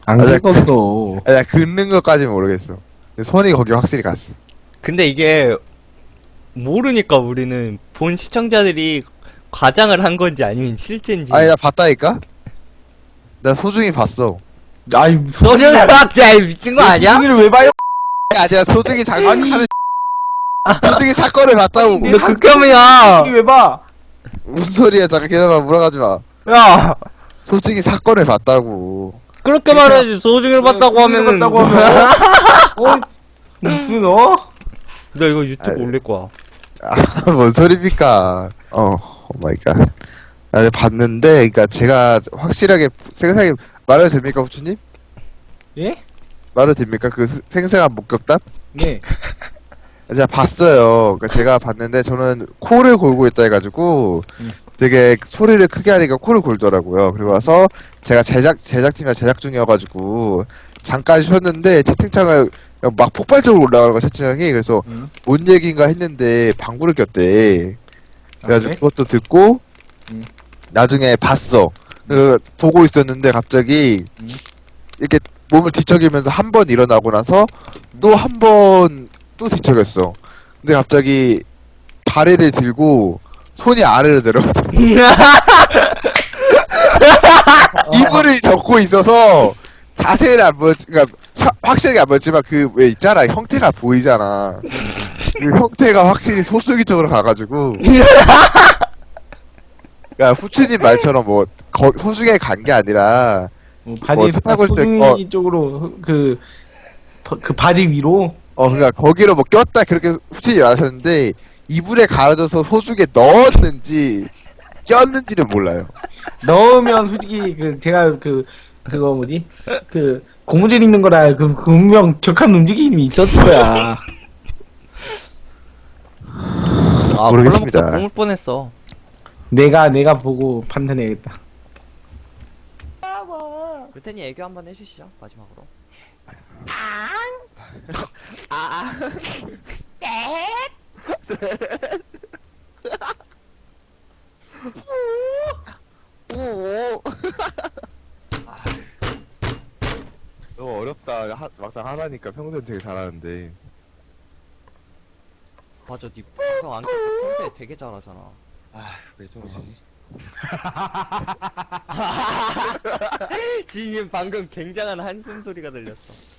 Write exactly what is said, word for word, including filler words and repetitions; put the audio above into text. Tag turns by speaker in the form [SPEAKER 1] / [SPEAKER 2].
[SPEAKER 1] 안
[SPEAKER 2] 아,
[SPEAKER 1] 긁었어.
[SPEAKER 2] 아니, 긁는 것까지는 모르겠어. 근데 손이 거기 확실히 갔어.
[SPEAKER 3] 근데 이게 모르니까 우리는 본 시청자들이 과장을 한 건지 아니면 실제인지.
[SPEAKER 2] 아니, 나 봤다니까? 나 소중히 봤어.
[SPEAKER 1] 아이, 무슨
[SPEAKER 3] 소중을 봤자 미친 거 아니야?
[SPEAKER 1] 소중이를 왜 봐요?
[SPEAKER 2] 아니, 아니라 소중히 장,
[SPEAKER 1] 아니.
[SPEAKER 2] 하는 소중히 사건을 봤다고.
[SPEAKER 1] 아니,
[SPEAKER 3] 너
[SPEAKER 1] 사-
[SPEAKER 3] 극혐이야.
[SPEAKER 1] 소중이 왜 봐?
[SPEAKER 2] 무슨 소리야, 잠깐 기다려봐, 물어가지 마.
[SPEAKER 3] 야,
[SPEAKER 2] 솔직히 사건을 봤다고.
[SPEAKER 3] 그렇게 말해야지. 소중을 봤다고
[SPEAKER 1] 소중이를
[SPEAKER 3] 하면은.
[SPEAKER 1] 봤다고 하면 어? 무슨 어?
[SPEAKER 3] 너 이거 유튜브
[SPEAKER 2] 아니.
[SPEAKER 3] 올릴 거야.
[SPEAKER 2] 아, 뭔 소리입니까? 어, 오 마이 갓. 아, 네, 봤는데, 그니까 제가 확실하게 생생하게 말해도 됩니까, 후추님?
[SPEAKER 1] 예?
[SPEAKER 2] 말해도 됩니까? 그 스- 생생한 목격담?
[SPEAKER 1] 네.
[SPEAKER 2] 제가 봤어요. 그러니까 제가 봤는데 저는 코를 골고 있다 해가지고
[SPEAKER 1] 음.
[SPEAKER 2] 되게 소리를 크게 하니까 코를 골더라고요. 그리고 와서 제가 제작 제작팀이랑 제작 중이어가지고 잠깐 쉬었는데 채팅창을 그냥 막 폭발적으로 올라가는 거야, 채팅창이. 그래서
[SPEAKER 1] 음.
[SPEAKER 2] 뭔 얘기인가 했는데 방구를 꼈대. 그래가지고
[SPEAKER 1] 아, 그래?
[SPEAKER 2] 그것도 듣고
[SPEAKER 1] 음.
[SPEAKER 2] 나중에 봤어. 그 보고 있었는데 갑자기
[SPEAKER 1] 음.
[SPEAKER 2] 이렇게 몸을 뒤척이면서 한 번 일어나고 나서 또 한 번 또 뒤척였어. 근데 갑자기 다리를 들고 손이 아래로 내려가서 이불을 덮고 있어서 자세히는 안 보였, 그러니까 화- 확실하게 안 보였지만 그 왜 있잖아, 형태가 보이잖아. 그 형태가 확실히 소수기 쪽으로 가가지고. 그러니까 후추님 말처럼 뭐 거, 소중에 간 게 아니라
[SPEAKER 1] 어,
[SPEAKER 2] 뭐
[SPEAKER 1] 바지
[SPEAKER 2] 사탕을
[SPEAKER 1] 소중이
[SPEAKER 2] 어.
[SPEAKER 1] 쪽으로 그, 바- 그 바지 위로
[SPEAKER 2] 어 그러니까 거기로 뭐 꼈다 그렇게 후추님 말하셨는데 이불에 가려져서 소중에 넣었는지 꼈는지는 몰라요.
[SPEAKER 1] 넣으면 솔직히 그 제가 그 그거 뭐지 그 고무줄 입는 거라 그 분명 격한 움직임이 있었을 거야.
[SPEAKER 3] 아,
[SPEAKER 2] 모르겠습니다.
[SPEAKER 3] 콜라 먹다 뿜을 뻔했어.
[SPEAKER 1] 내가 내가 보고 판단해야겠다.
[SPEAKER 3] 루테니 애교 한번 해주시죠, 마지막으로.
[SPEAKER 2] 오. 너무 어렵다. 하, 막상 하라니까 평소엔 되게 잘하는데.
[SPEAKER 3] 맞아, 니 방송 안 켜고 평소에 되게 잘하잖아.
[SPEAKER 1] 왜 저러지?
[SPEAKER 3] 지금 방금 굉장한 한숨 소리가 들렸어.